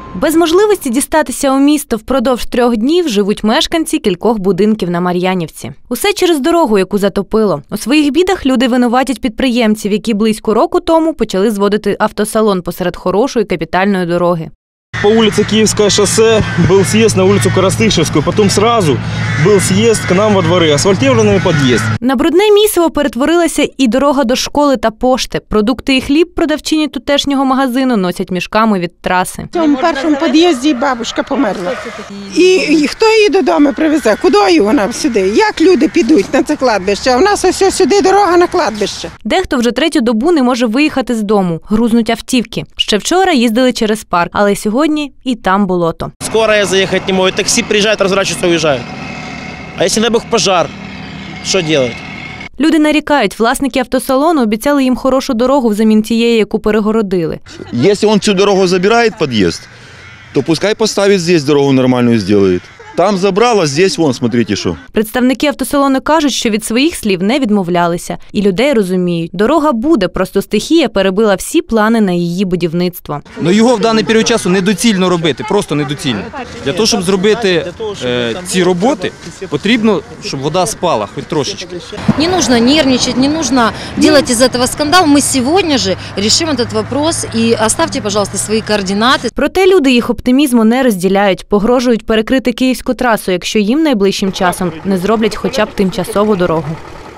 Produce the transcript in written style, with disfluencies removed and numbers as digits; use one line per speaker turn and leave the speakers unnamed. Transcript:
Без можливості дістатися у місто впродовж 3 днів живуть мешканці кількох будинків на Мар'янівці. Усе через дорогу, яку затопило. У своїх бідах люди винуватять підприємців, які близько року тому почали зводити автосалон посеред хорошої капітальної дороги.
По улице Киевское шоссе был съезд на улицу Коростышевскую, потом сразу был съезд к нам во дворы, асфальтированный подъезд.
На брудне місиво перетворилася і дорога до школи та пошти. Продукти і хліб продавчині тутешнього магазину носять мішками від траси.
В цьому першому під'їзді бабушка померла. І хто її додому привезе? Куди вона сюди? Як люди підуть на це кладбище? А в нас ось сюди дорога на кладбище.
Дехто вже 3-ю добу не може виїхати з дому. Грузнуть автівки. Ще вчора їздили через парк, але сьогодні і там болото.
Скорая заехать не может, такси приезжает, разворачиваются, уезжают. А если, дай бог, пожар, что делать?
Люди нарікають, власники автосалону обіцяли їм хорошу дорогу взамін тієї, яку перегородили.
Если он всю дорогу забирает подъезд, то пускай поставит здесь дорогу нормальную сделает. Там забрало, здесь вон, смотрите, що.
Представники автосалону кажуть, що від своїх слів не відмовлялися. І людей розуміють, дорога буде, просто стихія перебила всі плани на її будівництво.
Но його в даний період часу недоцільно робити, просто недоцільно. Для того, щоб зробити ці роботи, потрібно, щоб вода спала, хоч трошечки.
Не нужно нервничать, не нужно делать из этого скандал. Мы сегодня же решим этот вопрос и оставьте, пожалуйста, свои координаты.
Проте люди їх оптимізму не розділяють, погрожують перекрити Київську трасу, якщо їм найближчим часом не зроблять хоча б тимчасову дорогу.